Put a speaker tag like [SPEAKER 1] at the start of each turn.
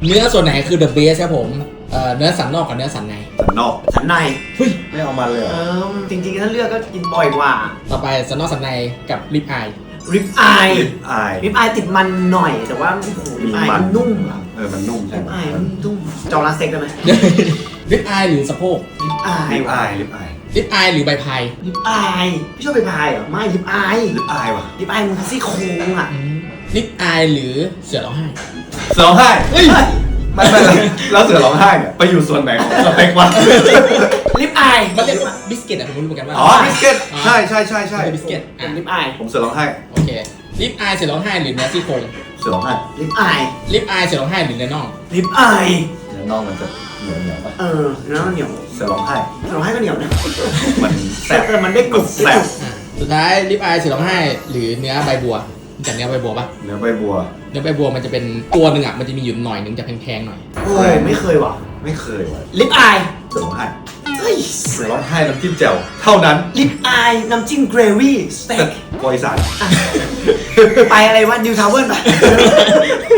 [SPEAKER 1] เนื้อส่วนไหนคือ the best ครับผมเนื้อสันนอกกับเนื้อสันใน
[SPEAKER 2] สันนอก
[SPEAKER 3] สันใน
[SPEAKER 1] เฮ้ย
[SPEAKER 2] ไม่เอามันเลยเหรอ
[SPEAKER 3] จริงๆถ้าเลือกก็กินบ่อยกว่า
[SPEAKER 1] ต่อไปสันนอกสันในกับริบอาย
[SPEAKER 3] ริบอาย
[SPEAKER 2] ลิปอาย
[SPEAKER 3] ริบอายติดมันหน่อยแต่ว่าโอ้โหริบอายมันนุ่มอะ
[SPEAKER 2] มันนุ่มใช่
[SPEAKER 3] ริบ
[SPEAKER 2] ไหม
[SPEAKER 3] อายมันนุ่มจองร้านเซ็กได้ไหม
[SPEAKER 1] ริบอายหรือสะโพก
[SPEAKER 3] ริบอาย
[SPEAKER 2] ลิป
[SPEAKER 3] ว่ะ
[SPEAKER 2] อายลิปอาย
[SPEAKER 1] ริบอายหรือใบพาย
[SPEAKER 3] ริบอายพี่ชอบไปพายเหรอไม่ริบอาย
[SPEAKER 2] ลิปอายว่ะ
[SPEAKER 3] ริบอายมันซี่โครงอ่ะ
[SPEAKER 1] ริบอายหรือเสือร้องไห้
[SPEAKER 2] เสือร้องไห้
[SPEAKER 3] เฮ้ย
[SPEAKER 2] ไม่แล้วเสือร้องไห้เนี่ยไปอยู่ส่วนไหนของสเปกวะ
[SPEAKER 3] ริบอาย
[SPEAKER 1] มันเรียกว่าบิสกิตอะผมรู้เหมือนกันว่า
[SPEAKER 2] อ๋อบิสกิตใช่
[SPEAKER 1] บิสกิต
[SPEAKER 3] เป็นริบอาย
[SPEAKER 2] ผมเสือร้องไห้
[SPEAKER 1] โอเคริบอายเสือร้องไห้หรือเนื้อซี่โครง
[SPEAKER 2] เสือร้องไห้
[SPEAKER 3] ริบอาย
[SPEAKER 1] ริบอายเสือร้องไห้หรือเนื้อน่อง
[SPEAKER 3] ริบอาย
[SPEAKER 2] เนื้อน่องมันจะเหนียวป่ะ
[SPEAKER 3] เนื้อมันเหนียว
[SPEAKER 2] เสือร้องไห้
[SPEAKER 3] เราให้ก็เหนียวนะ
[SPEAKER 2] มันแสบ
[SPEAKER 3] แต่มันได้กรุบ
[SPEAKER 2] แสบ
[SPEAKER 1] สุดท้ายริบอายเสือร้องไห้หรือเนื้อใบบัวรู้จากเนื้อใบบัวปะ
[SPEAKER 2] เนื้อใบบัว
[SPEAKER 1] เนื้อใบบัวมันจะเป็นตัวหนึ่งอ่ะมันจะมีอยู่หน่อยหนึ่งจะแพงๆหน่อย
[SPEAKER 3] โอ้ยไม่เคยว่ะ
[SPEAKER 2] ไม่เคยว่ะ
[SPEAKER 3] ริบอาย
[SPEAKER 2] เสือร้องไห้
[SPEAKER 3] เฮ้ย
[SPEAKER 2] เสือร้องไห้น้ำจิ้มแจ่วเท่านั้น
[SPEAKER 3] ริบอายน้ำจิ้มเกรวี่สเต็ก
[SPEAKER 2] บริษัท
[SPEAKER 3] ไปอะไรวะนิวทาวเวอร์ป่ะ